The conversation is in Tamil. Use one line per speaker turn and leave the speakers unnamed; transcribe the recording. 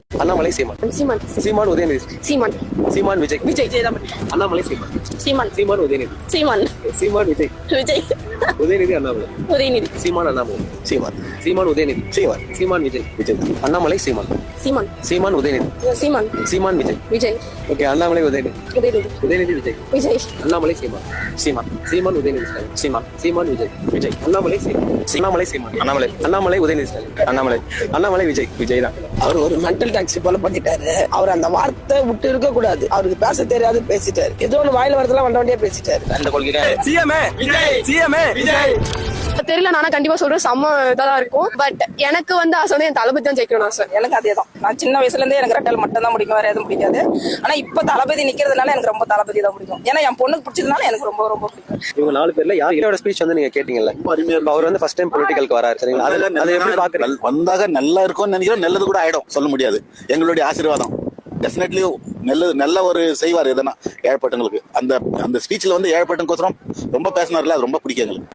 அண்ணாமலை சீமான்.
சீமான்.
சீமான் உதயநிதி.
சீமான்.
சீமான் விஜய்.
விஜய்.
அண்ணாமலை சீமான்.
சீமான்.
சீமான் உதயநிதி.
சீமான்.
சீமான் விஜய்.
விஜய்.
உதயநிதி அண்ணாமலை.
உதயநிதி.
சீமான் அண்ணாமலை. சீமான். சீமான் உதயநிதி. சீமான். சீமான் விஜய். விஜய். அண்ணாமலை சீமான்.
சீமான்.
சீமான் உதயநிதி.
சீமான்.
சீமான் விஜய்.
விஜய்.
ஓகே, அண்ணாமலை உதயநிதி.
உதயநிதி.
உதயநிதி விஜய்.
விஜய்.
அண்ணாமலை சீமான். சீமான். சீமான் உதயநிதி ஸ்டாலின். சீமான். சீமான் விஜய். விஜய். அண்ணாமலை சீமான். அண்ணாமலை சீமான். அண்ணாமலை. அண்ணாமலை உதயநிதி ஸ்டாலின். அண்ணாமலை. அண்ணாமலை விஜய். விஜய் தான்.
அவர் ஒரு மென்டல் டாக்ஸி போல பண்ணிட்டாரு. அவர் அந்த வார்த்தை விட்டு இருக்க கூடாது. அவருக்கு பேச தெரியாது, பேசிட்டாரு. ஏதோ ஒன்று வாயில வரதெல்லாம் வண்ட வண்டியா பேசிட்டாரு.
அந்த கொள்கை சிஎம்ஏ விஜய். சிஎம்ஏ விஜய்.
தெரியல, நானா கண்டிப்பா சொல்றேன் செம்ம இதான் இருக்கும். பட் எனக்கு வந்து ஆசை வந்து என் தளபதி தான் ஜெயிக்கணும் ஆசை.
எனக்கு அதேதான். நான் சின்ன வயசுல இருந்தே எனக்கு ரெட்டல் மட்டும் தான் பிடிக்கும், வேற எதுவும் பிடிக்காது. ஆனா இப்ப தளபதி நிக்கிறதுனால எனக்கு ரொம்ப தளபதி தான் பிடிக்கும். ஏன்னா என் பொண்ணுக்கு பிடிச்சதுனால எனக்கு ரொம்ப ரொம்ப பிடிக்கும்.
இவங்க 4 பேர்ல யாரோட ஸ்பீச் வந்து நீங்க கேட்டீங்கல்ல, அவர் வந்து ஃபர்ஸ்ட் டைம் பொலிட்டிக்கலுக்கு வராரு, சரிங்களா? அதை எப்படி பாக்குறீங்க?
வந்தாக நல்லா இருக்கும்னு நினைக்கிறோம். நல்லது கூட ஆயிடும், சொல்ல முடியாது. எங்களுடைய ஆசீர்வாதம் டெஃபினெட்லி நல்ல ஒரு செய்வார் எதனா ஏழைப்பட்டவங்களுக்கு. அந்த ஸ்பீச்ல வந்து ஏழைப்பட்டவங்களுக்கோசரம் ரொம்ப பேசினார்ல, அது ரொம்ப பிடிக்கும் எங்களுக்கு.